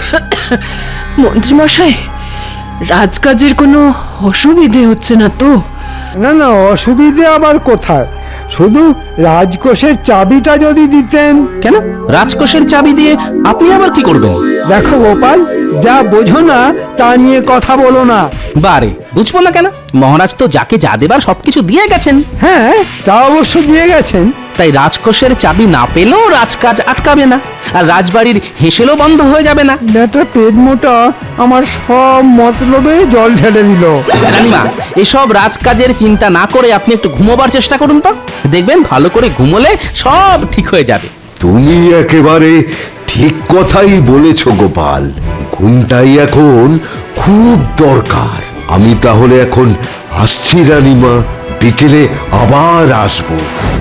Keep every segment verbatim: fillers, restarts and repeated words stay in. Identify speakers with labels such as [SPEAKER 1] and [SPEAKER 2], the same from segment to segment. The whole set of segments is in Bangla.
[SPEAKER 1] মন্ত্রী মশাই, রাজকাজের কোনো অসুবিধে হচ্ছে না তো?
[SPEAKER 2] না না, অসুবিধে আবার কোথায়, শুধু রাজকোষের চাবিটা যদি দিতেন।
[SPEAKER 3] কেন রাজকোষের চাবি দিয়ে আপনি আবার কি করবেন?
[SPEAKER 2] দেখো গোপাল, যা বোঝো না তা নিয়ে কথা বলো না।
[SPEAKER 3] বারে বুঝবো না কেন? মহারাজ তো যাকে যা দেবার সবকিছু দিয়ে গেছেন।
[SPEAKER 2] হ্যাঁ, তা অবশ্য দিয়ে গেছেন।
[SPEAKER 3] তাই রাজকোষের চাবি না পেলেও রাজকাজ আটকাবে না, আর রাজবাড়ির হেসেলও বন্ধ হয়ে যাবে না।
[SPEAKER 2] বেটা পেট মোটা আমার সব মতলবে জল ঢেলে দিল।
[SPEAKER 3] রানীমা, এসব রাজকাজের চিন্তা না করে আপনি একটু ঘুমোবার চেষ্টা করুন তো, দেখবেন ভালো করে ঘুমোলে সব ঠিক হয়ে যাবে।
[SPEAKER 4] তুমি একেবারে ঠিক কথাই বলেছ গোপাল, ঘুমটাই এখন খুব দরকার। আমি তাহলে এখন আসছি রানীমা, বিকেলে আবার আসবো।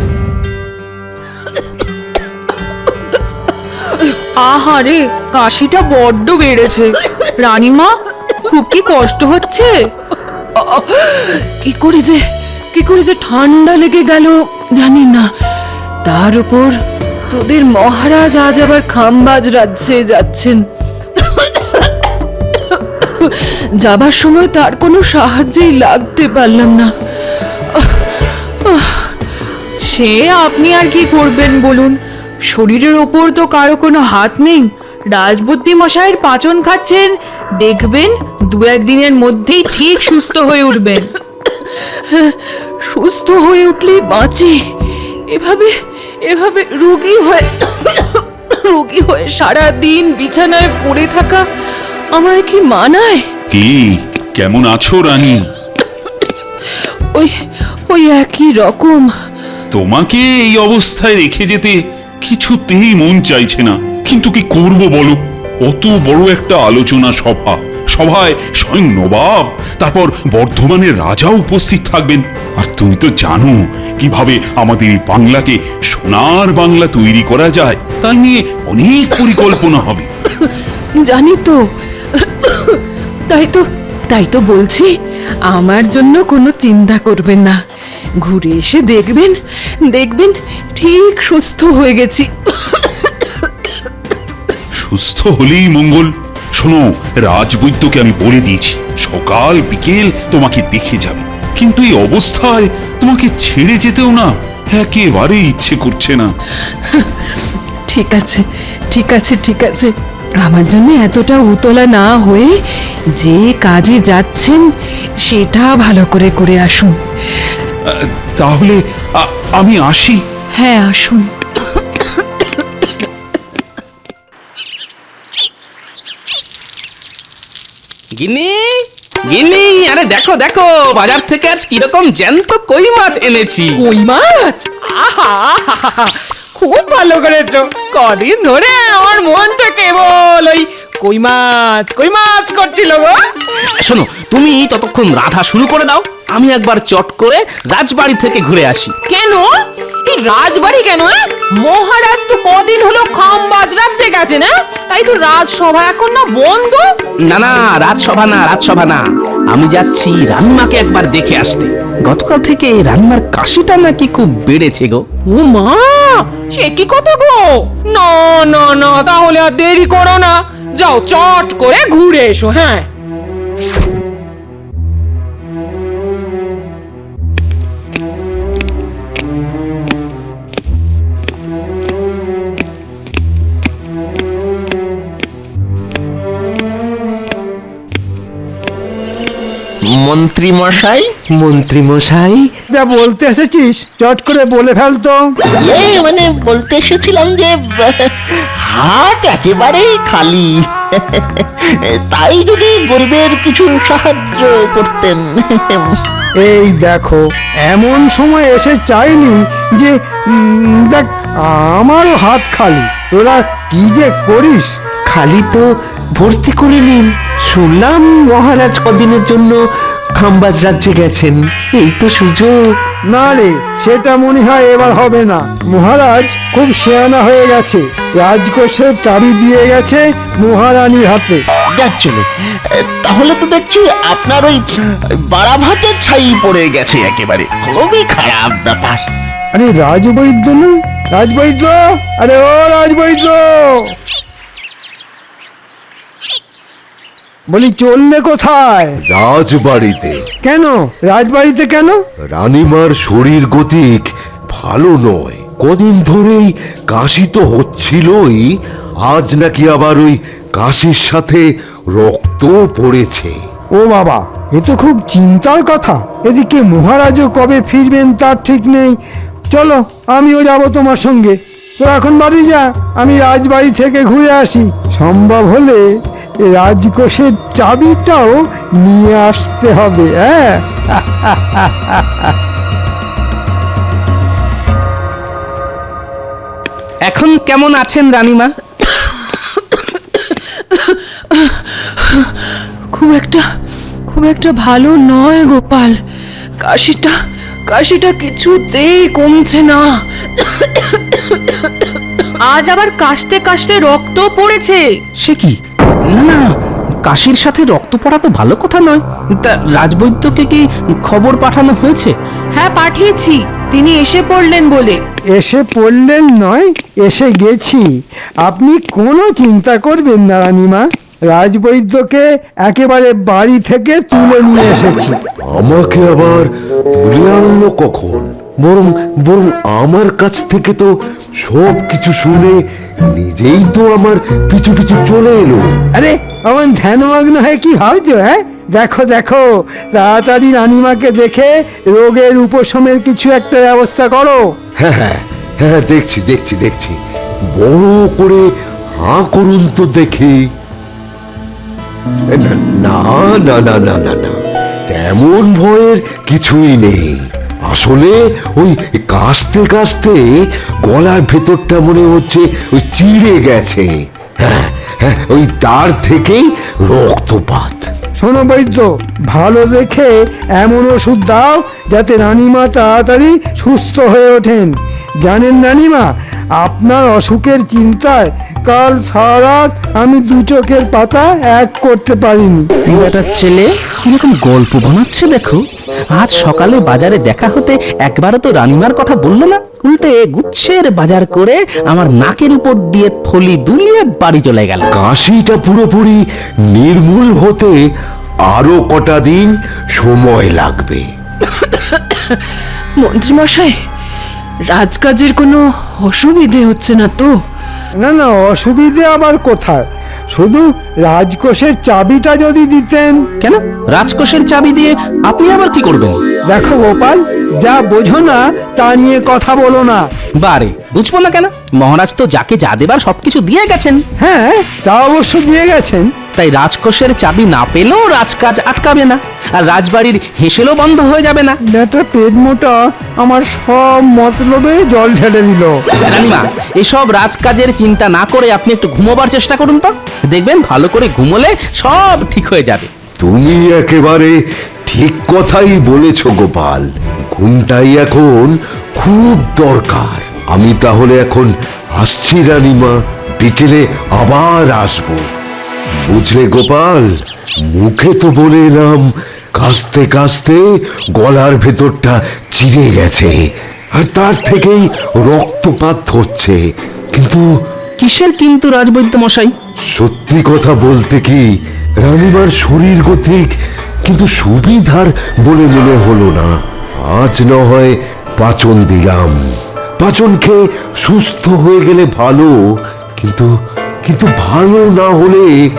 [SPEAKER 5] আহারে, কাশিটা বড্ড বেড়েছে। রানীমা, খুব কি কষ্ট হচ্ছে?
[SPEAKER 1] কি করে যে কি করে যে ঠান্ডা লেগে গেল জানি না। তার উপর তোদের মহারাজ আজ আবার খামবাজ রাজ্যে যাচ্ছেন। যাবার সময় তার কোনো সাহায্যেই লাগতে পারলাম না।
[SPEAKER 5] সে আপনি আর কি করবেন বলুন? শরীরের ওপর তো কারো কোনো হাত নেই। রাজবুদ্ধি মশাইয়ের পাচন খাচ্ছেন, দেখবেন দু একদিনের মধ্যেই ঠিক সুস্থ হয়ে উঠবেন।
[SPEAKER 1] সুস্থ হয়ে উঠলেই বাঁচি, এভাবে এভাবে রোগী হয়ে রোগী হয়ে সারা দিন বিছানায় পড়ে থাকা আমায় কি মানায়?
[SPEAKER 6] কি কেমন আছো রানী?
[SPEAKER 1] ওই ওই একই রকম।
[SPEAKER 6] তোমাকে এই অবস্থায় রেখে যেতে কিছুতেই মন চাইছে না, কিন্তু কি করব বলো? অত বড় একটা আলোচনা সভা, সভায় স্বয়ং নবাব, তারপর বর্ধমানের রাজা উপস্থিত থাকবেন। আর তুমি তো জানো কিভাবে আমাদের এই বাংলাকে সোনার বাংলা তৈরি করা যায়, তাই নিয়ে অনেক পরিকল্পনা হবে।
[SPEAKER 1] জানি তো, তাই তো তাই তো বলছি, আমার জন্য কোনো চিন্তা করবেন না। ঘুরে এসে দেখবেন দেখবেন ঠিক সুস্থ হয়ে গেছি।
[SPEAKER 6] সুস্থ হলেই মঙ্গল। শোনো, রাজবৈদ্যকে আমি বলে দিয়েছি সকাল বিকেল তোমাকে দেখে যাবে, কিন্তু এই অবস্থায় তোমাকে ছেড়ে যেতেও না একেবারে ইচ্ছে করছে না।
[SPEAKER 1] ঠিক আছে ঠিক আছে ঠিক আছে আমার জন্য এতটা উতলা না হয়ে যে কাজে যাচ্ছেন সেটা ভালো করে করে আসুন।
[SPEAKER 6] আহ, তাহলে আ- আমি আসি।
[SPEAKER 1] হ্যাঁ, আসুন।
[SPEAKER 3] গিন্নি, গিন্নি, আরে দেখো দেখো, বাজার থেকে আজ কিরকম জ্যান্ত কই মাছ এনেছি।
[SPEAKER 5] কই মাছ? আহা, খুব ভালো করেছো। কদিন ধরে আমার মনটা কেবল ওই কই মাছ কই মাছ করছিল গো।
[SPEAKER 3] শোনো, তুমি ততক্ষণ রাধা শুরু করে দাও, আমি একবার চট করে রাজবাড়ি থেকে ঘুরে আসি।
[SPEAKER 5] কেন? এই রাজবাড়ি কেন? মহারাজ তো কদিন হলো খামবাজ রাজ্যে গেছে না, তাই তো রাজসভা এখন না বন্ধ।
[SPEAKER 3] না না, রাজসভা না, রাজসভা না, আমি যাচ্ছি রানীমাকে একবার দেখে আসতে। গতকাল থেকে রানীমার কাশিটা নাকি খুব বেড়েছে গো।
[SPEAKER 5] ও মা, সে কি কথা গো? না না না, তাহলে আর দেরি করো না, যাও চট করে ঘুরে এসো। হ্যাঁ,
[SPEAKER 7] মন্ত্রী মশাই,
[SPEAKER 2] মন্ত্রী মশাই, যা বলতে এসেছিস চট করে বলে ফেলতো।
[SPEAKER 7] এই মানে বলতে এসেছিলাম যে হাট একেবারেই খালি, তাই যদি গরিবের কিছু সাহায্য করতেন।
[SPEAKER 2] এই দেখো, এমন সময় এসে চাইনি যে উম, দেখ আমারও হাত খালি, তোরা কি যে করিস।
[SPEAKER 8] খালি তো ভর্তি করে নিন। শুনলাম মহারাজ কদিনের জন্য খামবাজ রাজ্যে গেছেন, এই তো সুযোগ।
[SPEAKER 2] না রে, সেটা মনে হয় এবার হবে না। মহারাজ খুব শেয়ানা হয়ে গেছে, রাজকোষের চাবি দিয়ে গেছে মহারানীর হাতে।
[SPEAKER 7] যার জন্য তাহলে তো দেখছি আপনার ওই বাড়া ভাতের ছাই পড়ে গেছে একেবারে, খুবই খারাপ ব্যাপার।
[SPEAKER 2] আরে রাজবৈদ্য না, রাজবৈদ্য, আরে ও রাজবৈদ্য। বলি চললে কোথায়?
[SPEAKER 4] রাজবাড়িতে।
[SPEAKER 2] কেন রাজবাড়িতে কেন?
[SPEAKER 4] রানীমার শরীর গতিক ভালো নয়, কদিন ধরেই কাশি তো হচ্ছিলই, আজ নাকি আবার ওই কাশির সাথে রক্ত পড়েছে।
[SPEAKER 2] ও বাবা, এ তো খুব চিন্তার কথা। এদিকে মহারাজও কবে ফিরবেন তার ঠিক নেই। চলো আমিও যাব তোমার সঙ্গে। তো এখন বাড়ি যা, আমি রাজবাড়ি থেকে ঘুরে আসি। সম্ভব হলে এ রাজকোষের চাবিটাও নিয়ে আসতে হবে। হ্যাঁ,
[SPEAKER 3] এখন কেমন আছেন রানীমা?
[SPEAKER 1] খুব একটা খুব একটা ভালো নয় গোপাল। কাশিটা কাশিটা কিছুতেই কমছে না।
[SPEAKER 5] আজ আবার কাশতে কাশতে রক্ত পড়েছে।
[SPEAKER 3] সে কি? না না, কাশির সাথে রক্ত পড়া তো ভালো কথা নয়। তা রাজবৈদ্যকে কি খবর পাঠানো হয়েছে?
[SPEAKER 5] হ্যাঁ, পাঠিয়েছি, তিনি এসে পড়লেন বলে।
[SPEAKER 2] এসে পড়লেন নয়, এসে গেছি। আপনি কোনো চিন্তা করবেন না রানীমা, রাজবৈদ্যকে একেবারে বাড়ি থেকে তুলে নিয়ে এসেছি।
[SPEAKER 4] আমাকে আবার তুলে আনলো কখন? বরং বরং আমার কাছ থেকে তো সব কিছু শুনে নিজেই তো আমার পিছু পিছু চলে এলো।
[SPEAKER 2] আরে আমার ধ্যানমগ্ন হয়ে কি ভাবছো? হ্যাঁ, দেখো দেখো, তাড়াতাড়ি রানীমাকে দেখে রোগের উপশমের কিছু একটা ব্যবস্থা করো।
[SPEAKER 4] হ্যাঁ হ্যাঁ হ্যাঁ, দেখছি দেখছি দেখছি, বড় করে হাঁ করুন তো দেখি। না না না না না না না, তেমন ভয়ের কিছুই নেই। আসলে ওই কাশতে কাশতে গলার ভেতরটা মনে হচ্ছে ওই চিড়ে গেছে। হ্যাঁ হ্যাঁ, ওই তার থেকেই রক্তপাত।
[SPEAKER 2] শোনো বৈদ্য, ভালো দেখে এমন ওষুধ দাও যাতে রানীমা তাড়াতাড়ি সুস্থ হয়ে ওঠেন। জানেন রানীমা, আপনার অসুখের চিন্তায় কাল সারা রাত আমি দু চোখের পাতা এক করতে পারিনি।
[SPEAKER 3] বেটার ছেলে কিরকম গল্প বানাচ্ছে দেখো। আজ সকালে বাজারে দেখা হতে একবারও তো রানীমার কথা বললো না, উল্টে গুচ্ছের বাজার করে আমার নাকের উপর দিয়ে থলি দুলিয়ে বাড়ি চলে গেল।
[SPEAKER 4] কাশিটা পুরোপুরি নির্মূল হতে আরো কটা দিন সময় লাগবে।
[SPEAKER 1] মন্ত্রীমশাই, রাজকাজের কোনো অসুবিধে হচ্ছে না তো?
[SPEAKER 2] না না, অসুবিধে আবার কোথায়, শুধু রাজকোষের চাবিটা যদি দিতেন।
[SPEAKER 3] কেন রাজকোষের চাবি দিয়ে আপনি আবার কি করবেন?
[SPEAKER 2] দেখো গোপাল, যা বোঝো না তা নিয়ে কথা বলো না।
[SPEAKER 3] বারে, বুঝবো না কেন? মহারাজ তো যাকে যা দেবার সবকিছু দিয়ে গেছেন।
[SPEAKER 2] হ্যাঁ, তা অবশ্য দিয়ে গেছেন।
[SPEAKER 3] তাই রাজকোষের চাবি না পেলেও রাজকাজ আটকাবে না, আর রাজবাড়ির হেসেলও বন্ধ হয়ে যাবে না।
[SPEAKER 2] বেটা পেট মোটা আমার সব মতলবে জল ঢেলে দিল।
[SPEAKER 3] রানীমা, এসব রাজকাজের চিন্তা না করে আপনি একটু ঘুমোবার চেষ্টা করুন তো, দেখবেন ভালো করে ঘুমোলে সব ঠিক হয়ে যাবে।
[SPEAKER 4] তুমি একেবারে ঠিক কথাই বলেছ গোপাল, ঘুমটাই এখন খুব দরকার। আমি তাহলে এখন আসছি রানীমা, বিকেলে আবার আসবো। বুঝলে গোপাল, মুখে তো বলে এলাম কাশতে কাশতে গলার ভেতরটা চিড়ে গেছে আর তার থেকেই রক্তপাত হচ্ছে, কিন্তু
[SPEAKER 3] কিসের কিন্তু রাজবৈদ্য মশাই?
[SPEAKER 4] সত্যি কথা বলতে কি, রানীমার শরীর গতিক কিন্তু সুবিধার বলে মনে হলো না। আজ না হয় পাচন দিলাম, পাচন খেয়ে সুস্থ হয়ে গেলে ভালো, কিন্তু কিন্তু ভালো না হলে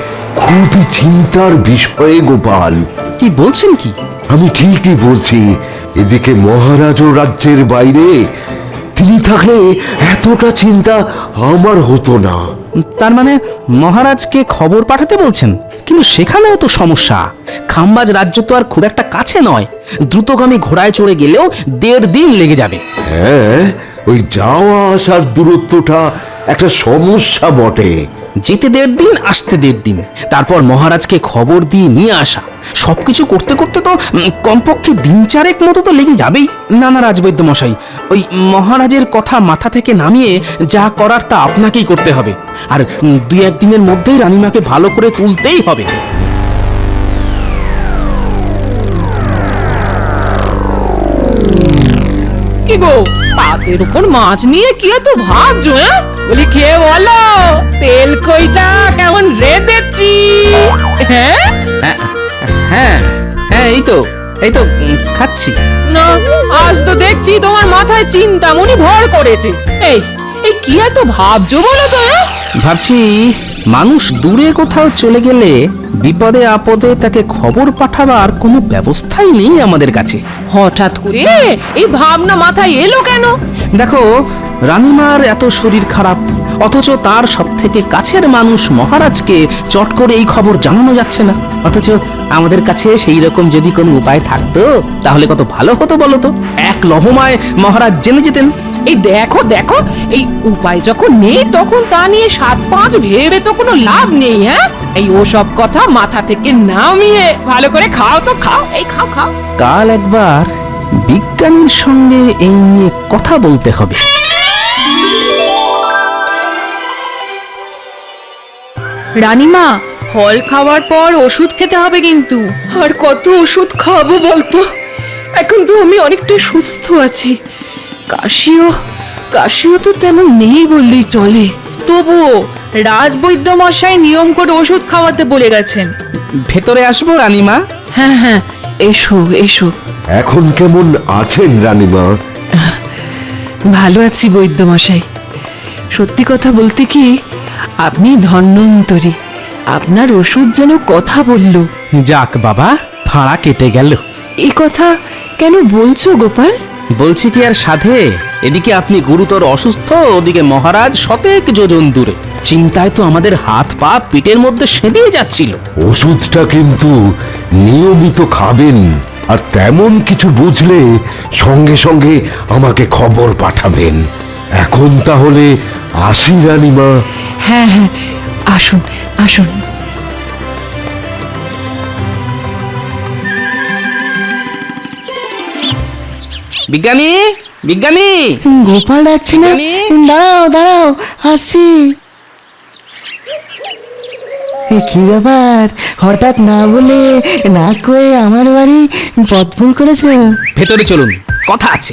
[SPEAKER 4] খুবই চিন্তার বিষয়ে গোপাল।
[SPEAKER 3] কি বলছেন কি?
[SPEAKER 4] আমি ঠিকই বলছি। এদিকে মহারাজও রাজ্যের বাইরে, তিনি থাকলে এতটা চিন্তা আমার হতো না।
[SPEAKER 3] তার মানে মহারাজকে খবর পাঠাতে বলছেন? কিন্তু সেখানেও তো সমস্যা। খাম্বাজ রাজ্য তো আর খুব একটা কাছে নয়, দ্রুতগামী ঘোড়ায় চড়ে গেলেও দেড় দিন লেগে যাবে।
[SPEAKER 4] হ্যাঁ, ওই যাওয়া আসার দূরত্বটা একটা সমস্যা বটে।
[SPEAKER 3] যেতে দেড় দিন, আসতে দেড় দিন, তারপর মহারাজকে খবর দিয়ে নিয়ে আসা, সবকিছু করতে করতে তো উম, কমপক্ষে দিন চারেক মতো তো লেগে যাবেই। না না রাজবৈদ্য মশাই, ওই মহারাজের কথা মাথা থেকে নামিয়ে যা করার তা আপনাকেই করতে হবে, আর উম, দুই একদিনের মধ্যেই রানীমাকে ভালো করে তুলতেই হবে।
[SPEAKER 1] কি গো, পাতের উপর মাছ নিয়ে কি এত ভাবছো? হ্যাঁ, বলি খেয়ে বলো তেল কইটা কেমন রেঁধেছি। হ্যাঁ,
[SPEAKER 3] হ্যাঁ হ্যাঁ এই তো এই তো উম, খাচ্ছি।
[SPEAKER 1] না, আজ তো দেখছি তোমার মাথায় চিন্তামণি ভর করেছে। এই এই কি এত ভাবছো বলো তো? হ্যাঁ?
[SPEAKER 3] ভাবছি মানুষ দূরে কোথাও চলে গেলে বিপদে আপদে তাকে খবর পাঠাবার কোনো ব্যবস্থাই নেই আমাদের কাছে।
[SPEAKER 1] হঠাৎ করে এই ভাবনা মাথায় এলো কেন?
[SPEAKER 3] দেখো, রানীমার এত শরীর খারাপ, অথচ তার সব থেকে কাছের মানুষ মহারাজকে চট করে এই খবর জানানো যাচ্ছে না। অথচ আমাদের কাছে সেই রকম যদি কোনো উপায় থাকতো তাহলে কত ভালো হতো বলো তো। এক লহমায় মহারাজ জেনে যেতেন।
[SPEAKER 1] এই দেখো দেখো, এই উপায় যখন নেই তখন তা নিয়ে সাত পাঁচ ভেবে তো কোনো লাভ নেই। হ্যাঁ, এই ওসব কথা মাথা থেকে নামিয়ে ভালো করে খাও তো খাও, এই খাও খাও।
[SPEAKER 3] কাল একবার বিজ্ঞানীর সঙ্গে এই নিয়ে কথা বলতে হবে।
[SPEAKER 5] রানীমা, ফল খাওয়ার পর ওষুধ খেতে হবে কিন্তু।
[SPEAKER 1] আর কত ওষুধ খাবো বলতো? এখন তো আমি অনেকটা সুস্থ আছি। কাশিও কাশিও তো তেমন নেই বললেই চলে।
[SPEAKER 5] তবুও রাজবৈদ্য মশাই নিয়ম করে ওষুধ খাওয়াতে বলে গেছেন।
[SPEAKER 3] ভেতরে আসবো রানীমা?
[SPEAKER 1] হ্যাঁ হ্যাঁ, এসো এসো।
[SPEAKER 4] এখন কেমন আছেন রানীমা?
[SPEAKER 1] ভালো আছি বৈদ্যমশাই। সত্যি কথা বলতে কি, আপনি ধন্বন্তরী। আপনার ওষুধ যেন কথা বলল।
[SPEAKER 3] যাক বাবা, ফাঁড়া কেটে গেল।
[SPEAKER 1] এই কথা কেন বলছো গোপাল?
[SPEAKER 3] বলছি কি আর সাধে, এদিকে আপনি গুরুতর অসুস্থ, ওদিকে মহারাজ শতেক যোজন দূরে। চিন্তায় তো আমাদের হাত পা পিঠের মধ্যে সেঁধিয়ে যাচ্ছিল।
[SPEAKER 4] ওষুধটা কিন্তু নিয়মিত খাবেন, আর তেমন কিছু বুঝলে সঙ্গে সঙ্গে আমাকে খবর পাঠাবেন। এখন তাহলে আসি রানীমা।
[SPEAKER 1] হ্যাঁ হ্যাঁ, আসুন আসুন।
[SPEAKER 3] বিজ্ঞানী, বিজ্ঞানী!
[SPEAKER 8] গোপাল ডাকছি না?
[SPEAKER 3] বিজ্ঞানী!
[SPEAKER 8] দাঁড়াও দাঁড়াও, আসছি। এ কি ব্যাপার, হঠাৎ না বলে না কয়ে আমার বাড়ি পথ ভুল করেছো?
[SPEAKER 3] ভেতরে চলুন, কথা আছে।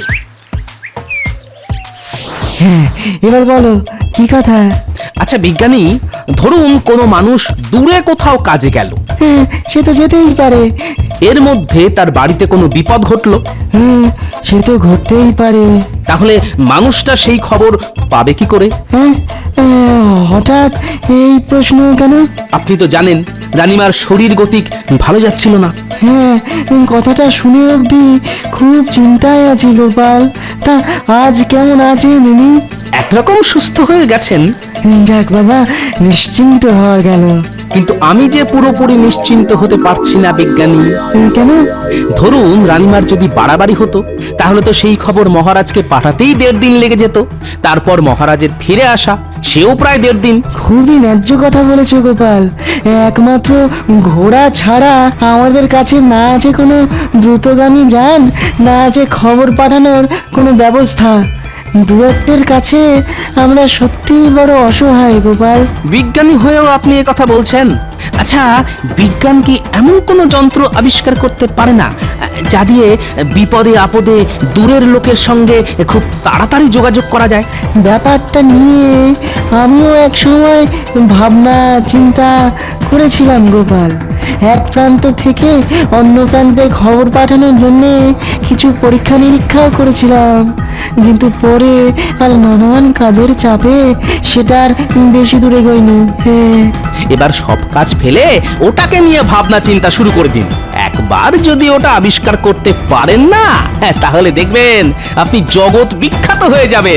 [SPEAKER 8] হ্যাঁ, এবার বলো কি কথা?
[SPEAKER 3] আচ্ছা বিজ্ঞানী, ধরুন কোনো মানুষ দূরে কোথাও কাজে গেল,
[SPEAKER 8] হ্যাঁ, সে তো যেতেই পারে।
[SPEAKER 3] এর মধ্যে তার বাড়িতে কোনো বিপদ ঘটলো,
[SPEAKER 8] হ্যাঁ, সে তো ঘটতেই পারে।
[SPEAKER 3] তাহলে মানুষটা সেই খবর পাবে কি করে?
[SPEAKER 8] হ্যাঁ, আহ, হঠাৎ এই প্রশ্ন কেন?
[SPEAKER 3] আপনি তো জানেন রানীমার শরীর গতিক ভালো যাচ্ছিল না।
[SPEAKER 8] হ্যাঁ, কথাটা শুনে অবধি খুব চিন্তায় আছি গোপাল। তা আজ কেমন আছেন উনি?
[SPEAKER 3] একরকম সুস্থ হয়ে গেছেন,
[SPEAKER 8] যাক বাবা, নিশ্চিন্ত হওয়া গেল।
[SPEAKER 3] কিন্তু আমি যে পুরোপুরি নিশ্চিন্ত হতে পারছি না বিজ্ঞানী।
[SPEAKER 8] এ, কেন?
[SPEAKER 3] ধরুন রানীমার যদি বাড়াবাড়ি হতো তাহলে তো সেই খবর মহারাজকে পাঠাতেই দেড় দিন লেগে যেত। তারপর মহারাজের ফিরে আসা, সেও প্রায় দেড় দিন।
[SPEAKER 8] খুবই ন্যায্য কথা বলেছো গোপাল। একমাত্র ঘোড়া ছাড়া আমাদের কাছে না আছে কোনো দ্রুতগামী যান, না আছে খবর পাঠানোর কোনো ব্যবস্থা। দূরত্বের কাছে আমরা সত্যিই বড় অসহায় গোপাল।
[SPEAKER 3] বিজ্ঞানী হয়েও আপনি এ কথা বলছেন? আচ্ছা, বিজ্ঞান কি এমন কোনো যন্ত্র আবিষ্কার করতে পারে না যা দিয়ে বিপদে আপদে দূরের লোকের সঙ্গে খুব তাড়াতাড়ি যোগাযোগ করা যায়?
[SPEAKER 8] ব্যাপারটা নিয়ে আমিও এক সময় ভাবনা চিন্তা করেছিলাম গোপাল। এক প্রান্ত থেকে অন্য প্রান্তে খবর পাঠানোর জন্যে কিছু পরীক্ষা নিরীক্ষাও করেছিলাম, কিন্তু পরে আর নানান কাজের চাপে সেটা আর বেশি দূরে গইনি। হ্যাঁ,
[SPEAKER 3] এবার সব কাজ ফেলে ওটাকে নিয়ে ভাবনা চিন্তা শুরু করে দিন। একবার যদি ওটা আবিষ্কার করতে পারেন না, হ্যাঁ, তাহলে দেখবেন আপনি জগৎ বিখ্যাত হয়ে যাবেন।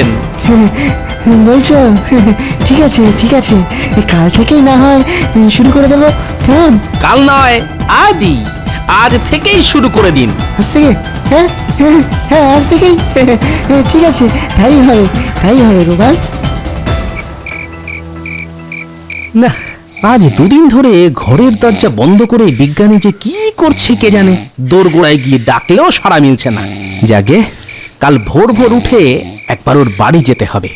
[SPEAKER 8] বলছো? ঠিক আছে ঠিক আছে, কাল থেকেই না হয় শুরু করে দেবো, কেমন?
[SPEAKER 3] কাল নয়, আজই, আজ থেকেই শুরু করে দিন।
[SPEAKER 8] আজ থেকে? হ্যাঁ হ্যাঁ হ্যাঁ, আজ থেকেই। ঠিক আছে, তাই হবে তাই হবে গোপাল।
[SPEAKER 3] না, আজ দুদিন ধরে ঘরের দরজা বন্ধ করে বিজ্ঞানী যে কি করছে কে জানে। দোরগোড়ায় গিয়ে ডাকলেও সাড়া মিলছে না। যাকে কাল ভোর ভোর উঠে একবার ওর বাড়ি যেতে হবে।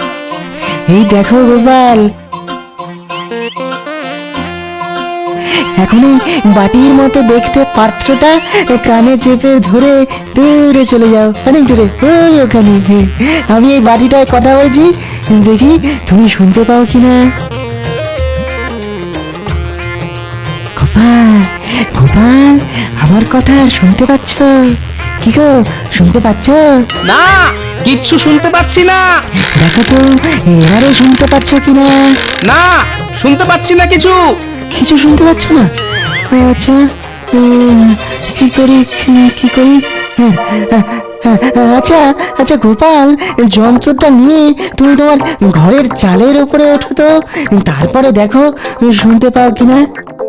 [SPEAKER 8] এই দেখো গোপাল, এখন এই বাটির মতো দেখতে পাত্রটা কানে চেপে ধরে দূরে চলে যাও, অনেক দূরে, ওই ওখানে। হ্যাঁ, আমি এই বাটিটায় কথা বলছি, দেখি তুমি শুনতে পাও কিনা। গোপাল, গোপাল, আমার কথা শুনতে পাচ্ছ? কি গো, শুনতে পাচ্ছ?
[SPEAKER 3] না, কিচ্ছু শুনতে পাচ্ছি না।
[SPEAKER 8] দেখো তো এবারে শুনতে পাচ্ছ কিনা।
[SPEAKER 3] না, শুনতে পাচ্ছি না কিছু।
[SPEAKER 8] কিছু শুনতে পাচ্ছ না? আচ্ছা, উম, কি করি কি- কি করি হ্যাঁ, হ্যাঁ, হ্যাঁ, আচ্ছা আচ্ছা গোপাল, যন্ত্রটা নিয়ে তুমি তোমার ঘরের চালের উপরে ওঠো তো, তারপরে দেখো শুনতে পাও কিনা।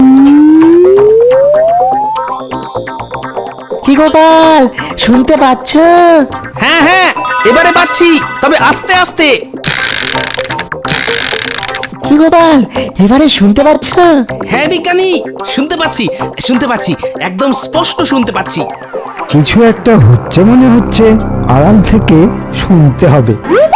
[SPEAKER 8] কি গোপাল, শুনতে পাচ্ছ?
[SPEAKER 3] হ্যাঁ হ্যাঁ, এবারে পাচ্ছি, তবে আস্তে আস্তে।
[SPEAKER 8] কি গোপাল, এবারে শুনতে পাচ্ছ?
[SPEAKER 3] হ্যাঁ বিজ্ঞানী, শুনতে পাচ্ছি, শুনতে পাচ্ছি, একদম স্পষ্ট শুনতে পাচ্ছি।
[SPEAKER 2] কিছু একটা হচ্ছে মনে হচ্ছে, আড়াল থেকে শুনতে হবে।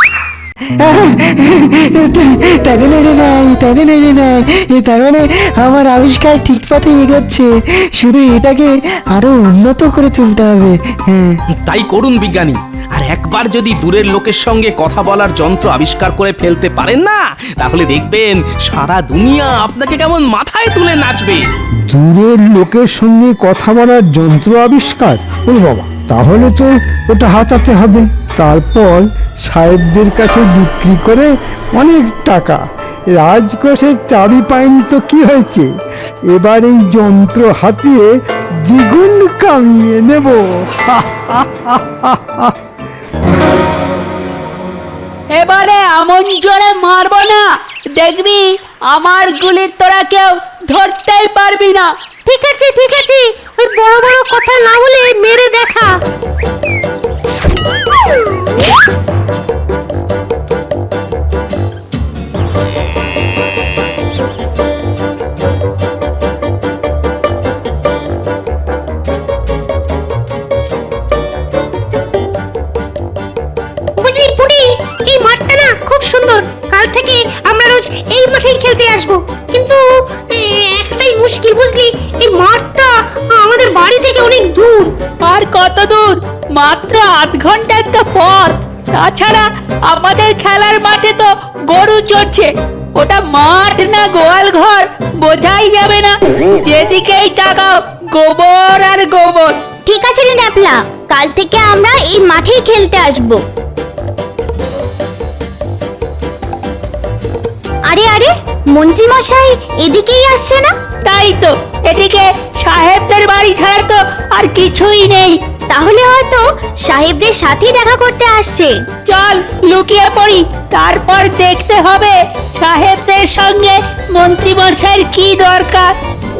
[SPEAKER 8] তারে নেড়ে নাই, তারে নেড়ে নাই, তার মানে আমার আবিষ্কার ঠিক পথে এগোচ্ছে, শুধু এটাকে আরো উন্নত করে তুলতে হবে। হ্যাঁ,
[SPEAKER 3] তাই করুন বিজ্ঞানী। আর একবার যদি দূরের লোকের সঙ্গে কথা বলার যন্ত্র আবিষ্কার করে ফেলতে পারেন না, তাহলে দেখবেন সারা দুনিয়া আপনাকে কেমন মাথায় তুলে নাচবে।
[SPEAKER 2] দূরের লোকের সঙ্গে কথা বলার যন্ত্র আবিষ্কার, ওরে বাবা, তাহলে তো ওটা হাতাতে হবে, তারপর সাহেবদের কাছে বিক্রি করে অনেক টাকা। রাজকোষের চাবি পায়নি তো কি হয়েছে, এবার এই যন্ত্র হাতিয়ে দ্বিগুণ কামিয়ে নেব।
[SPEAKER 9] এবারে আমন জোরে মারবো না, দেখবি আমার গুলির তোরা কেউ ধরতেই পারবি না। ঠিক আছে ঠিক আছে, ওই বড় বড় কথা না বলে মেরে দেখা।
[SPEAKER 10] বুঝলি পুটি, এই মাঠটা না খুব সুন্দর, কাল থেকে আমরা রোজ এই মাঠেই খেলতে আসবো। কিন্তু এ, একটাই মুশকিল বুঝলি, এই মাঠটা আমাদের বাড়ি থেকে অনেক দূর।
[SPEAKER 9] আর কত দূর? মাত্র আধ ঘন্টা একটা পথ। তাছাড়া আমাদের খেলার মাঠে তো গরু চড়ছে, ওটা মাঠ না গোয়াল ঘর বোঝাই যাবে না। যেদিকেই তাকাও গোবর আর গোবর।
[SPEAKER 10] ঠিক আছে রে ন্যাপলা, কাল থেকে আমরা এই মাঠেই খেলতে আসবো। আরে আরে, মন্ত্রী মশাই এদিকেই আসছে না?
[SPEAKER 9] তাই তো, এদিকে সাহেবদের বাড়ি ছাড়া তো আর কিছুই নেই।
[SPEAKER 10] তাহলে হয়তো সাহেবদের সাথেই দেখা করতে আসছে।
[SPEAKER 9] চল লুকিয়ে পড়ি, তারপর দেখতে হবে সাহেবদের সঙ্গে মন্ত্রী মশাইয়ের কি দরকার।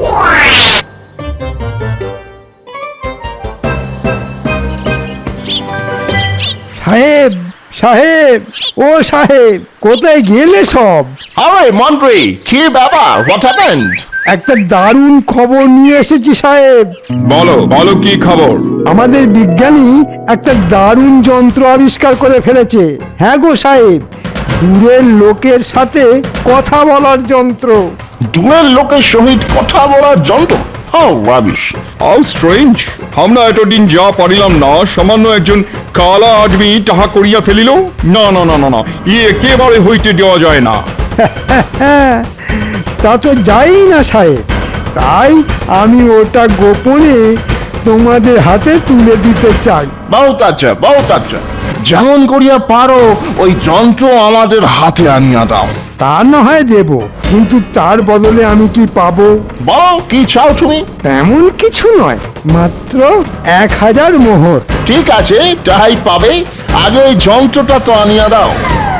[SPEAKER 2] সাহেব, সাহেব, ও সাহেব, কোথায় গেলে সব?
[SPEAKER 7] আরে মন্ত্রী, কি ব্যাপার? What happened?
[SPEAKER 2] একটা দারুণ খবর নিয়ে এসেছি সাহেব।
[SPEAKER 6] বলো বলো কি খবর?
[SPEAKER 2] আমাদের বিজ্ঞানী একটা দারুণ যন্ত্র আবিষ্কার করে ফেলেছে। হ্যাঁ গো সাহেব, দূরের লোকের সাথে কথা বলার যন্ত্র।
[SPEAKER 7] দূরের লোকের সহিত কথা বলার যন্ত্র? How rubbish!
[SPEAKER 6] How strange! আমরা এতদিন যা পারিলাম না, সামান্য একজন কালা আদমি তাহা করিয়া ফেলিল। না না না না না, ই একেবারে হইতে দেওয়া যায় না।
[SPEAKER 2] হ্যাঁ, তা তো যাই না সাহেব, তাই আমি ওটা গোপনে তোমাদের হাতে তুলে দিতে চাই।
[SPEAKER 7] বহুত আচ্ছা, বহুত আচ্ছা। যেমন করিয়া পারো ওই যন্ত্র আমাদের হাতে আনিয়া দাও।
[SPEAKER 2] তা না হয় দেব, কিন্তু তার বদলে আমি কি পাবো?
[SPEAKER 7] বলো কি চাও তুমি?
[SPEAKER 2] তেমন কিছু নয়, মাত্র এক হাজার মোহর।
[SPEAKER 7] ঠিক আছে, তাই পাবে। আগে ওই যন্ত্রটা তো আনিয়া দাও।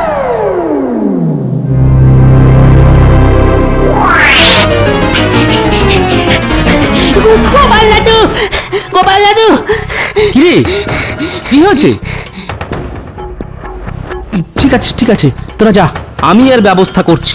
[SPEAKER 9] গোপাল দাদু, গোপাল দাদু,
[SPEAKER 3] কি রে, কি হয়েছে? ঠিক আছে ঠিক আছে, তোরা যা, আমি এর ব্যবস্থা করছি।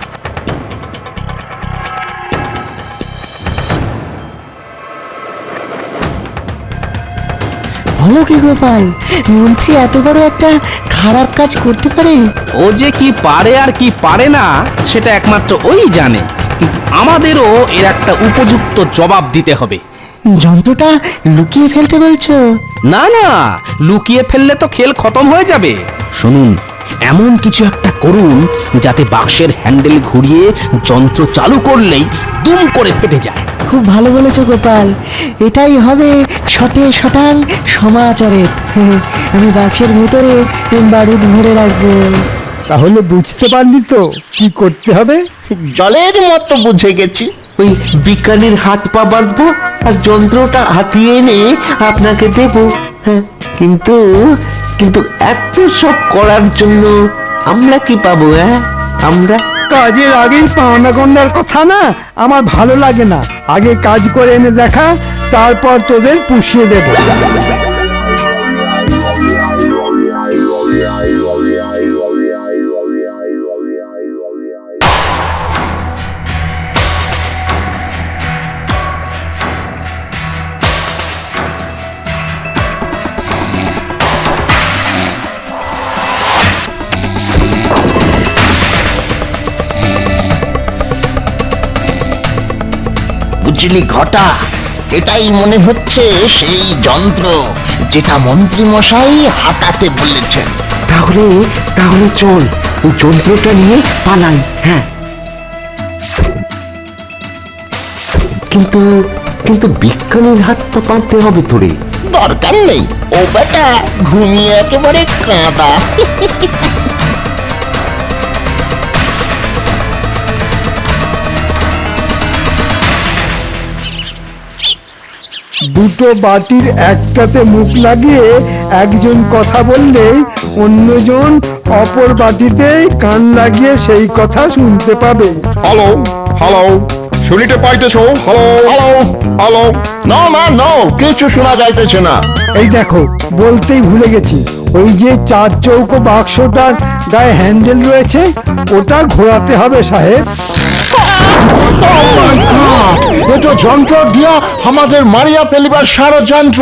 [SPEAKER 8] বলো কি গোপাল, মন্ত্রী এত বড় একটা খারাপ কাজ করতে পারে?
[SPEAKER 3] ও যে কি পারে আর কি পারে না, সেটা একমাত্র ওই জানে। আমাদেরও এর একটা উপযুক্ত জবাব দিতে হবে।
[SPEAKER 8] যন্ত্রটা লুকিয়ে ফেলতে বলছো?
[SPEAKER 3] না না, লুকিয়ে ফেললে তো খেল খতম হয়ে যাবে। শুনুন, এমন কিছু একটা করুন যাতে বাক্সের হ্যান্ডেল ঘুরিয়ে যন্ত্র চালু করলেই দুম করে ফেটে যায়।
[SPEAKER 8] খুব ভালো বলেছো গোপাল, এটাই হবে শটে শটাল সমাচারের। আমি বাক্সের ভেতরে বারুদ ভরে রাখবো।
[SPEAKER 2] তাহলে বুঝতে পারলি তো কি করতে হবে?
[SPEAKER 7] জলের মতো বুঝে গেছি।
[SPEAKER 11] ওই বিজ্ঞানীর হাত পা বাঁধবো আর যন্ত্রটা হাতিয়ে এনে আপনাকে দেব। হ্যাঁ, কিন্তু কিন্তু এত সব করার জন্য আমরা কি পাবো? হ্যাঁ, আমরা
[SPEAKER 2] কাজের আগেই পাওনা গন্ডার কথা না আমার ভালো লাগে না। আগে কাজ করে এনে দেখা, তারপর তোদের পুষিয়ে দেব।
[SPEAKER 7] বুঝলি ঘটা, এটাই মনে হচ্ছে সেই যন্ত্র যেটা মন্ত্রী মশাই হাতাতে বলেছেন।
[SPEAKER 11] তাহলে তাহলে চল ওই যন্ত্রটা নিয়ে পালাই। হ্যাঁ, কিন্তু কিন্তু বিজ্ঞানীর হাত পা বাঁধতে হবে তোরে।
[SPEAKER 7] দরকার নেই, ও বেটা ঘুমিয়ে একেবারে কাঁদা।
[SPEAKER 2] দুটো বাটির একটাতে মুখ লাগিয়ে একজন কথা বললেই অন্যজন অপর বাটিতে কান লাগিয়ে সেই কথা শুনতে পাবে।
[SPEAKER 12] হ্যালো হ্যালো, শুনিতে পাইতেছো? হ্যালো
[SPEAKER 7] হ্যালো হ্যালো, নো মা নো, কিছু শোনা যাইতেছে না।
[SPEAKER 2] এই দেখো, বলতেই ভুলে গেছি, ওই যে চার চৌকো বাক্সটার গায়ে হ্যান্ডেল রয়েছে ওটা ঘোরাতে হবে সাহেব।
[SPEAKER 7] এটা যন্ত্র দিয়া আমাদের মারিয়া ফেলিবার ষড়যন্ত্র।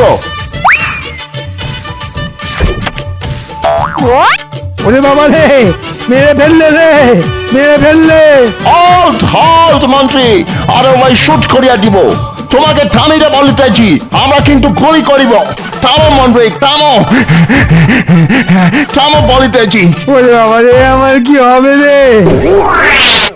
[SPEAKER 2] ওরে বাবা রে, মেরে ফেললে রে, মেরে ফেললে।
[SPEAKER 7] হল্ট হল্ট মন্ত্রী, আরে ওই শুট করিয়া দিব। তোমাকে থামিতে বলিতেছি, আমরা কিন্তু গুলি করিব। থামো মন্ত্রী, থামো, থামো বলিতেছি।
[SPEAKER 2] ওরে বাবা রে, আমার কি হবে রে?